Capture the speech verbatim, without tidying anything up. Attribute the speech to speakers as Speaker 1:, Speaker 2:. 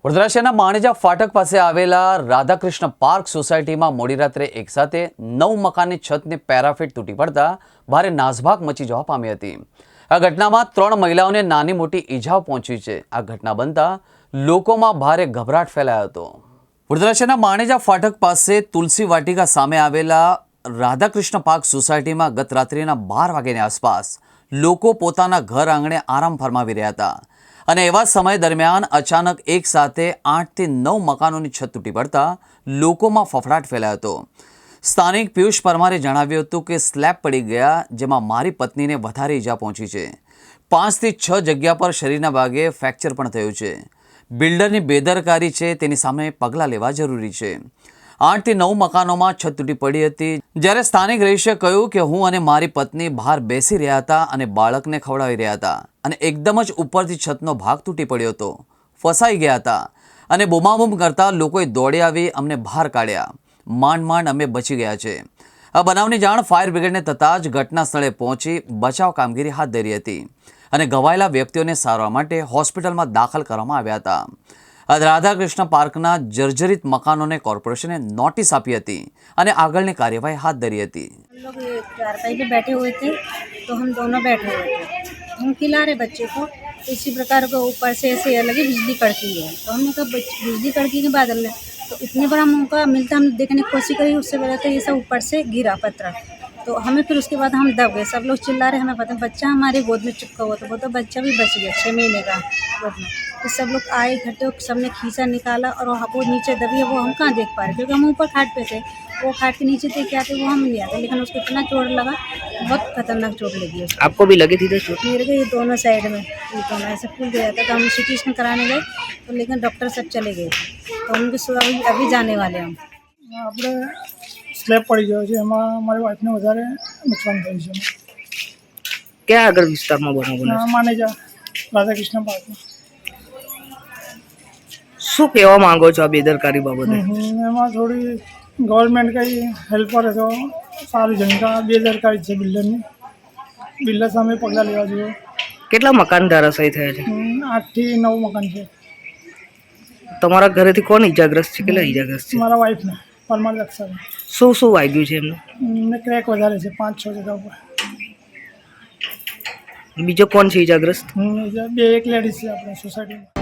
Speaker 1: વડોદરા શહેરના માણેજા ફાટક પાસે આવેલા રાધાકૃષ્ણ પાર્ક સોસાયટીમાં મોડી રાત્રે એકસાથે નવ મકાનની છતની પેરાફિટ તૂટી પડતા ભારે નાસભાગ મચી જવા પામી હતી। આ ઘટનામાં ત્રણ મહિલાઓને નાની મોટી ઈજાઓ પહોંચી છે। આ ઘટના બનતા લોકોમાં ભારે ગભરાટ ફેલાયો હતો। વડોદરા શહેરના માણેજા ફાટક પાસે તુલસી વાટિકા સામે આવેલા રાધાકૃષ્ણ પાર્ક સોસાયટીમાં ગત રાત્રિના બાર વાગ્યાની આસપાસ લોકો પોતાના ઘર આંગણે આરામ ફરમાવી રહ્યા હતા અને એવા સમય દરમિયાન અચાનક એક સાથે આઠથી નવ મકાનોની છત તૂટી પડતા લોકોમાં ફફડાટ ફેલાયો હતો। સ્થાનિક પિયુષ પરમારે જણાવ્યું હતું કે સ્લેબ પડી ગયા, જેમાં મારી પત્નીને વધારે ઈજા પહોંચી છે। પાંચથી છ જગ્યા પર શરીરના ભાગે ફ્રેક્ચર પણ થયું છે। બિલ્ડરની બેદરકારી છે, તેની સામે પગલાં લેવા જરૂરી છે। આઠથી નવ મકાનોમાં છત તૂટી પડી હતી, જ્યારે સ્થાનિક રહીશે કહ્યું કે હું અને મારી પત્ની બહાર બેસી રહ્યા હતા અને બાળકને ખવડાવી રહ્યા હતા અને એકદમ જ ઉપરથી છતનો ભાગ તૂટી પડ્યો હતો। ફસાઈ ગયા હતા અને બૂમાબૂમ કરતા લોકોએ દોડી આવી અમને બહાર કાઢ્યા। માંડ માંડ અમે બચી ગયા છે। આ બનાવની જાણ ફાયર બ્રિગેડને થતાં જ ઘટના સ્થળે પહોંચી બચાવ કામગીરી હાથ ધરી હતી અને ઘવાયેલા વ્યક્તિઓને સારવાર માટે હોસ્પિટલમાં દાખલ કરવામાં આવ્યા હતા। આ રાધાકૃષ્ણ પાર્કના જર્જરિત મકાનોને કોર્પોરેશને नोटिस આપી હતી અને આગળની કાર્યવાહી હાથ ધરી હતી।
Speaker 2: हम लोग ये चारपाई पे बैठे हुए थे तो हम दोनों बैठे हुए थे, हम खिला रहे बच्चे को, तो इसी प्रकार को ऊपर से ऐसे लगी बिजली कड़की है। तो हमने कहा बिजली कड़की के बादल में तो इतने बड़ा मौका मिलता, हम देखने की कोशिश करी, उससे बड़ा तो ये सब ऊपर से गिरा पत्थर। तो हमें फिर उसके बाद हम दब गए, सब लोग चिल्ला रहे, हमें पता बच्चा हमारे गोद में चिपका हुआ था, वो तो बच्चा भी बच गया छः महीने का गोद में। तो सब लोग आए इकट्ठे, सबने खींचा निकाला और वो नीचे दबी है, वो हम कहाँ देख पा रहे, क्योंकि हम ऊपर खाट पे थे, वो खाट के नीचे देख के आते वो हम नहीं आते, लेकिन उसको इतना चोट लगा, बहुत खतरनाक चोट लगी उसको।
Speaker 3: आपको भी लगी थी तो चोट?
Speaker 2: मेरे को ये दोनों साइड में ये दोनों ऐसे फूल गया था, तो हम सिटी स्कैन कराने गए तो लेकिन डॉक्टर सब चले गए, तो उनके अभी अभी जाने वाले हम।
Speaker 4: આપણે સ્લેબ પડી ગયો છે, એમાં મારી વાઈફને વધારે નુકસાન થયું છે।
Speaker 3: ક્યાં આગળ વિસ્તારમાં બનાવ બન્યો છે?
Speaker 4: માનેજા રાધાકૃષ્ણ પાર્કમાં।
Speaker 3: શું કહેવા માંગો છો આ બેદરકારી બાબતે?
Speaker 4: એમાં થોડી ગવર્મેન્ટ કંઈ હેલ્પ કરે તો સારું છે, કારણ કે બેદરકારી છે બિલ્ડરની, બિલ્ડર સામે પગલાં લેવા જોઈએ।
Speaker 3: કેટલા મકાન ધરાશાયી થયા છે?
Speaker 4: આઠથી નવ મકાન છે।
Speaker 3: તમારા ઘરેથી કોણ ઈજાગ્રસ્ત છે? કેટલા ઈજાગ્રસ્ત છે?
Speaker 4: મારા વાઈફને પરમાર લક્ષર
Speaker 3: શું શું વાગ્યું છે એમને?
Speaker 4: એમને ક્રેક વધારે છે પાંચ છ જગ્યા ઉપર।
Speaker 3: બીજો કોણ છે ઈજાગ્રસ્ત?
Speaker 4: બે એક લેડીઝ છે આપણે સોસાયટીમાં।